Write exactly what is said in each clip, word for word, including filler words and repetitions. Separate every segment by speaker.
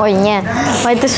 Speaker 1: Ой, ні. Ой, ти ж...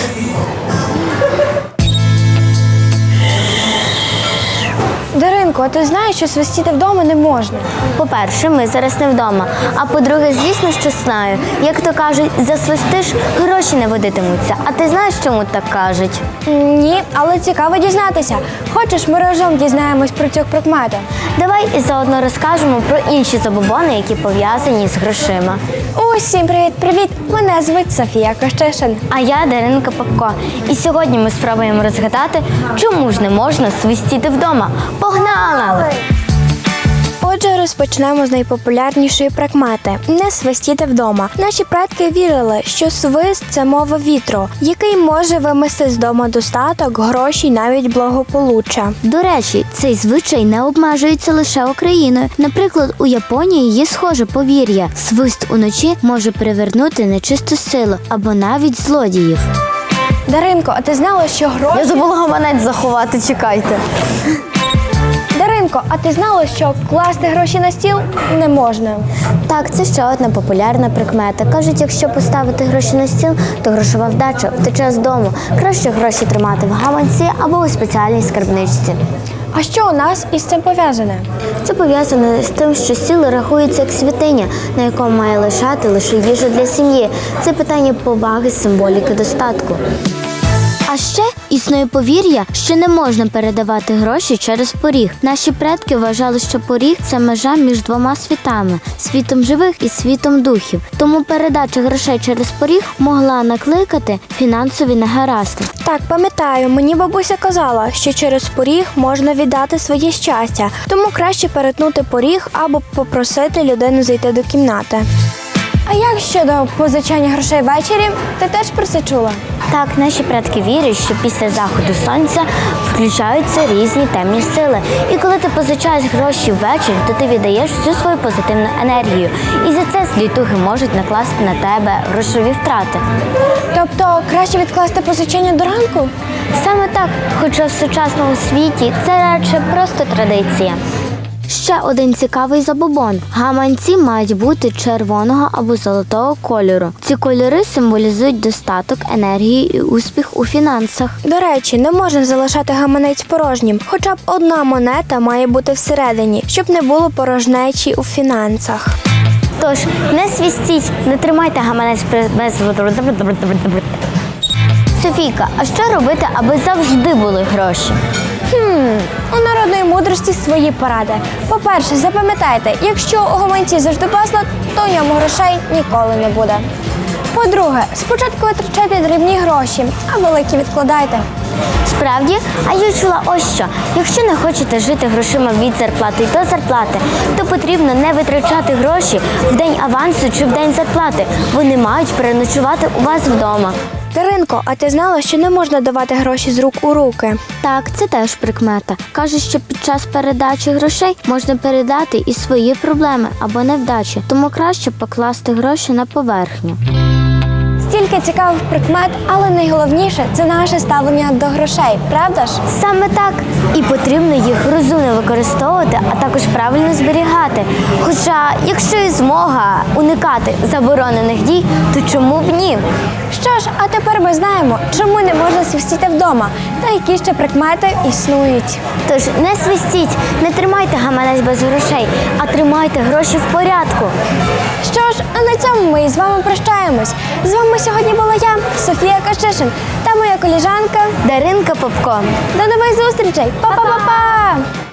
Speaker 2: Даринко, а ти знаєш, що свистіти вдома не можна?
Speaker 1: По-перше, ми зараз не вдома. А по-друге, звісно, що знаю. Як то кажуть, засвистиш, гроші не водитимуться. А ти знаєш, чому так кажуть?
Speaker 2: Ні, але цікаво дізнатися. Хочеш, ми разом дізнаємось про цю прикмету?
Speaker 1: Давай і заодно розкажемо про інші забобони, які пов'язані з грошима.
Speaker 2: Усім привіт-привіт! Мене звуть Софія Кощишин.
Speaker 1: А я Даринка Попко. І сьогодні ми спробуємо розгадати, чому ж не можна свистіти вдома. Погнали!
Speaker 2: Отже, розпочнемо з найпопулярнішої прикмети – не свистіти вдома. Наші предки вірили, що свист – це мова вітру, який може вимести з дому достаток, гроші й навіть благополуччя.
Speaker 3: До речі, цей звичай не обмежується лише Україною. Наприклад, у Японії є схоже повір'я – свист уночі може привернути нечисту силу або навіть злодіїв.
Speaker 2: Даринко, а ти знала, що гроші...
Speaker 1: Я забула гаманець заховати, чекайте.
Speaker 2: Даринко, а ти знала, що класти гроші на стіл не можна?
Speaker 1: Так, це ще одна популярна прикмета. Кажуть, якщо поставити гроші на стіл, то грошова вдача втече з дому. Краще гроші тримати в гаманці або у спеціальній скарбничці.
Speaker 2: А що у нас із цим пов'язане?
Speaker 1: Це пов'язано з тим, що стіл рахується як святиня, на якому має лишати лише їжу для сім'ї. Це питання поваги, символіки достатку.
Speaker 3: А ще існує повір'я, що не можна передавати гроші через поріг. Наші предки вважали, що поріг – це межа між двома світами – світом живих і світом духів. Тому передача грошей через поріг могла накликати фінансові негаразди.
Speaker 2: Так, пам'ятаю, мені бабуся казала, що через поріг можна віддати своє щастя, тому краще перетнути поріг або попросити людину зайти до кімнати. А як щодо позичання грошей ввечері? Ти теж про це чула?
Speaker 1: Так, наші предки вірять, що після заходу сонця включаються різні темні сили. І коли ти позичаєш гроші ввечері, то ти віддаєш всю свою позитивну енергію. І за це злі духи можуть накласти на тебе грошові втрати.
Speaker 2: Тобто краще відкласти позичання до ранку?
Speaker 1: Саме так, хоча в сучасному світі це радше просто традиція.
Speaker 3: Ще один цікавий забобон. Гаманці мають бути червоного або золотого кольору. Ці кольори символізують достаток, енергію і успіх у фінансах.
Speaker 2: До речі, не можна залишати гаманець порожнім. Хоча б одна монета має бути всередині, щоб не було порожнечі у фінансах.
Speaker 1: Тож, не свістіть, не тримайте гаманець без... Софійка, а що робити, аби завжди були гроші?
Speaker 2: Хм, у народної мудрості свої поради. По-перше, запам'ятайте, якщо у гаманці завжди безлад, то в ньому грошей ніколи не буде. По-друге, спочатку витрачайте дрібні гроші, а великі відкладайте.
Speaker 1: Справді? А я чула ось що. Якщо не хочете жити грошима від зарплати до зарплати, то потрібно не витрачати гроші в день авансу чи в день зарплати. Вони мають переночувати у вас вдома.
Speaker 2: Даринко, а ти знала, що не можна давати гроші з рук у руки?
Speaker 3: Так, це теж прикмета. Кажуть, що під час передачі грошей можна передати і свої проблеми або невдачі, тому краще покласти гроші на поверхню.
Speaker 2: Стільки цікавих прикмет, але найголовніше – це наше ставлення до грошей, правда ж?
Speaker 1: Саме так. І потрібно їх розумно використовувати, а також правильно зберігати. Хоча, якщо є змога уникати заборонених дій, то чому б ні?
Speaker 2: Що ж, а тепер ми знаємо, чому не можна свистіти вдома та які ще прикмети існують.
Speaker 1: Тож не свистіть, не тримайте гаманець без грошей, а тримайте гроші в порядку.
Speaker 2: Що ж, а на цьому ми із вами прощаємось. З вами сьогодні була я, Софія Кощишин, та моя коліжанка
Speaker 1: Даринка Попко.
Speaker 2: До нових зустрічей! Па-па-па-па!